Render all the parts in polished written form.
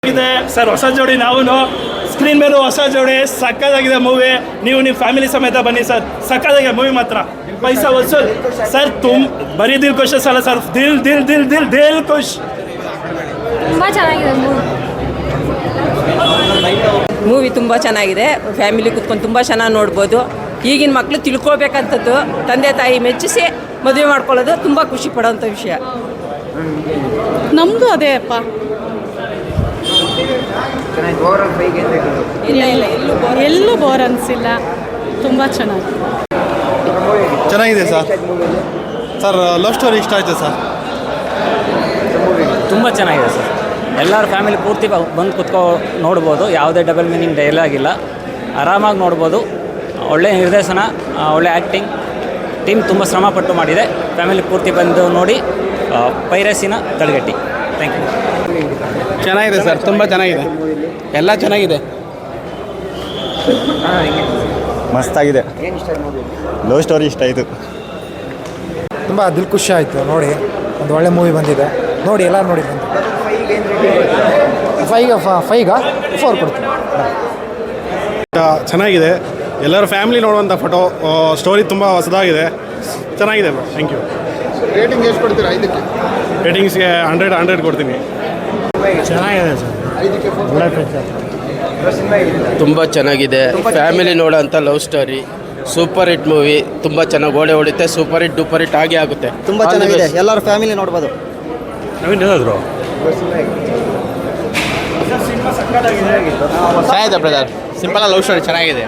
ಇದೆ ಸರ್, ಹೊಸ ಜೋಡಿ ನಾವು ಸ್ಕ್ರೀನ್ ಮೇಲೂ ಹೊಸ ಜೋಡಿ ಸಕ್ಕತ್ತಾಗಿದೆ ಮೂವಿ. ನೀವು ನಿಮ್ಮ ಫ್ಯಾಮಿಲಿ ಸಮೇತ ಬನ್ನಿ ಸರ್, ಸಕ್ಕತ್ತಾಗಿದೆ ಮೂವಿ ಮಾತ್ರ. ಪೈಸಾ ವಸೂಲ್ ಸರ್, ಬರೀ ದಿಲ್ ಖುಷ್ ಅಲ್ಲ ಸರ್, ದಿಲ್ ದಿಲ್ ದಿಲ್ ದಿಲ್ ದಿಲ್ ಖುಷ್. ತುಂಬ ಚೆನ್ನಾಗಿದೆ ಮೂವಿ ತುಂಬ ಚೆನ್ನಾಗಿದೆ. ಫ್ಯಾಮಿಲಿ ಕೂತ್ಕೊಂಡು ತುಂಬ ಚೆನ್ನಾಗಿ ನೋಡ್ಬೋದು. ಈಗಿನ ಮಕ್ಕಳು ತಿಳ್ಕೊಬೇಕಂಥದ್ದು ತಂದೆ ತಾಯಿ ಮೆಚ್ಚಿಸಿ ಮದುವೆ ಮಾಡ್ಕೊಳ್ಳೋದು ತುಂಬ ಖುಷಿ ಪಡೋಂಥ ವಿಷಯ. ನಮ್ಮದು ಅದೇ ಅಪ್ಪ. ಇಲ್ಲ ಇಲ್ಲ ಎಲ್ಲೂ ಬೋರ್ ಅನಿಸಿಲ್ಲ, ತುಂಬ ಚೆನ್ನಾಗಿದೆ ಸರ್. ಲವ್ ಸ್ಟೋರಿ ಇಷ್ಟ ಆಯಿತು ಸರ್. ತುಂಬ ಚೆನ್ನಾಗಿದೆ ಸರ್. ಎಲ್ಲರ ಫ್ಯಾಮಿಲಿ ಪೂರ್ತಿ ಬಂದು ಕುತ್ಕೊ ನೋಡ್ಬೋದು. ಯಾವುದೇ ಡಬಲ್ ಮೀನಿಂಗ್ ಡೈಲಾಗ್ ಇಲ್ಲ, ಆರಾಮಾಗಿ ನೋಡ್ಬೋದು. ಒಳ್ಳೆ ನಿರ್ದೇಶನ, ಒಳ್ಳೆ ಆ್ಯಕ್ಟಿಂಗ್, ಟೀಮ್ ತುಂಬ ಶ್ರಮಪಟ್ಟು ಮಾಡಿದೆ. ಫ್ಯಾಮಿಲಿ ಪೂರ್ತಿ ಬಂದು ನೋಡಿ ಪೈರಸಿನ ತಡೆಗಟ್ಟಿ. Thank you. ಚೆನ್ನಾಗಿದೆ ಸರ್, ತುಂಬ ಚೆನ್ನಾಗಿದೆ, ಎಲ್ಲ ಚೆನ್ನಾಗಿದೆ. ಮಸ್ತಾಗಿದೆ. ಲವ್ ಸ್ಟೋರಿ ಇಷ್ಟ ಆಯಿತು. ತುಂಬ ದಿಲ್ ಖುಷಿ ಆಯಿತು ನೋಡಿ. ಒಂದು ಒಳ್ಳೆ ಮೂವಿ ಬಂದಿದೆ ನೋಡಿ, ಎಲ್ಲ ನೋಡಿ ಬಂದು. 5 ಕೊಡ್ತೀನಿ. ಚೆನ್ನಾಗಿದೆ, ಎಲ್ಲರ ಫ್ಯಾಮಿಲಿ ನೋಡುವಂಥ ಫೋಟೋ. ಸ್ಟೋರಿ ತುಂಬ ಹೊಸದಾಗಿದೆ, ಚೆನ್ನಾಗಿದೆ. Thank you. ರೇಟಿಂಗ್ ಎಷ್ಟು ಕೊಡ್ತೀರಾ? 5ಕ್ಕೆ ರೇಟಿಂಗ್ಸ್ಗೆ 100 ಕೊಡ್ತೀನಿ. ಚೆನ್ನಾಗಿದೆ ಸರ್, ತುಂಬ ಚೆನ್ನಾಗಿದೆ. ಫ್ಯಾಮಿಲಿ ನೋಡೋಂಥ love story, super hit movie. ತುಂಬ ಚೆನ್ನಾಗಿ ಓಡೆ ಹೊಡಿತೆ, ಸೂಪರ್ ಹಿಟ್ ಡೂಪರ್ ಹಿಟ್ ಆಗೇ ಆಗುತ್ತೆ. ತುಂಬ ಚೆನ್ನಾಗಿದೆ, ಎಲ್ಲರ ಫ್ಯಾಮಿಲಿ ನೋಡ್ಬೋದು. ಏನಾದ್ರು ಚೆನ್ನಾಗಿದೆ ಬ್ರದರ್, ಸಿಂಪಲ್ ಲವ್ ಸ್ಟೋರಿ ಚೆನ್ನಾಗಿದೆ.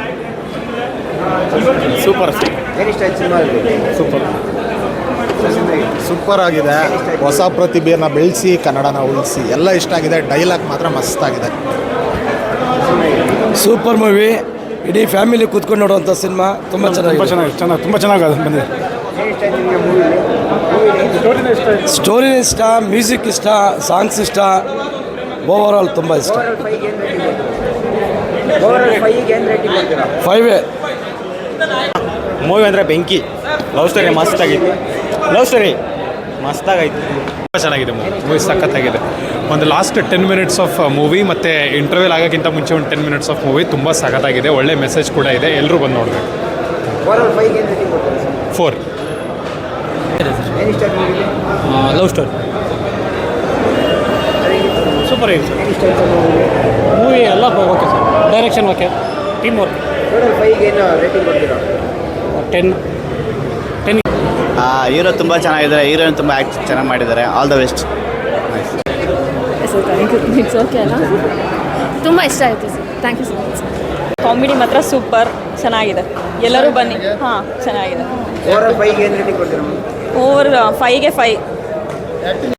ಸೂಪರ್ ಆಗಿದೆ. ಹೊಸ ಪ್ರತಿಭೆಯನ್ನು ಬೆಳೆಸಿ ಕನ್ನಡನ ಉಳಿಸಿ ಎಲ್ಲ ಇಷ್ಟ ಆಗಿದೆ. ಡೈಲಾಗ್ ಮಾತ್ರ ಮಸ್ತಾಗಿದೆ. Super movie. ಇಡೀ ಫ್ಯಾಮಿಲಿ ಕೂತ್ಕೊಂಡು ನೋಡುವಂಥ ಸಿನಿಮಾ. ತುಂಬ ಚೆನ್ನಾಗಿ ಬಂದಿದೆ. ಸ್ಟೋರಿ ಇಷ್ಟ, ಮ್ಯೂಸಿಕ್ ಇಷ್ಟ, ಸಾಂಗ್ಸ್ ಇಷ್ಟ, ಓವರಾಲ್ ತುಂಬ ಇಷ್ಟ. 5 ಮೂವಿ ಅಂದರೆ ಬೆಂಕಿ. ಲವ್ ಸ್ಟೋರಿ ಮಸ್ತಾಗಿತ್ತು. ತುಂಬ ಚೆನ್ನಾಗಿದೆ ಮೂವಿ ಸಖತ್ತಾಗಿದೆ. ಒಂದು ಲಾಸ್ಟ್ 10 ಮಿನಿಟ್ಸ್ ಆಫ್ ಮೂವಿ ಮತ್ತು ಇಂಟರ್ವ್ಯೂಲ್ ಆಗೋಕ್ಕಿಂತ ಮುಂಚೆ ಒಂದು 10 ಮಿನಿಟ್ಸ್ ಆಫ್ ಮೂವಿ ತುಂಬ ಸಖತ್ತಾಗಿದೆ. ಒಳ್ಳೆ ಮೆಸೇಜ್ ಕೂಡ ಇದೆ, ಎಲ್ಲರೂ ಬಂದು ನೋಡಬೇಕು. 4. ಲವ್ ಸ್ಟೋರಿ ಸೂಪರ್ ಆಗಿದೆ ಮೂವಿ. ಎಲ್ಲ okay sir, direction okay, team work 10. Hero ತುಂಬ ಚೆನ್ನಾಗಿದ್ದಾರೆ, ಹೀರೋಯಿನ್ ತುಂಬ ಆ್ಯಕ್ಟ್ ಚೆನ್ನಾಗಿ ಮಾಡಿದ್ದಾರೆ. All the best. It's okay ಅಲ್ಲ, ತುಂಬ ಇಷ್ಟ ಆಯಿತು sir. Thank you so much. Comedy ಮಾತ್ರ ಸೂಪರ್ ಚೆನ್ನಾಗಿದೆ. ಎಲ್ಲರೂ ಬನ್ನಿ. ಹಾಂ ಚೆನ್ನಾಗಿದೆ. ಓವರ್ 5ಗೆ 5.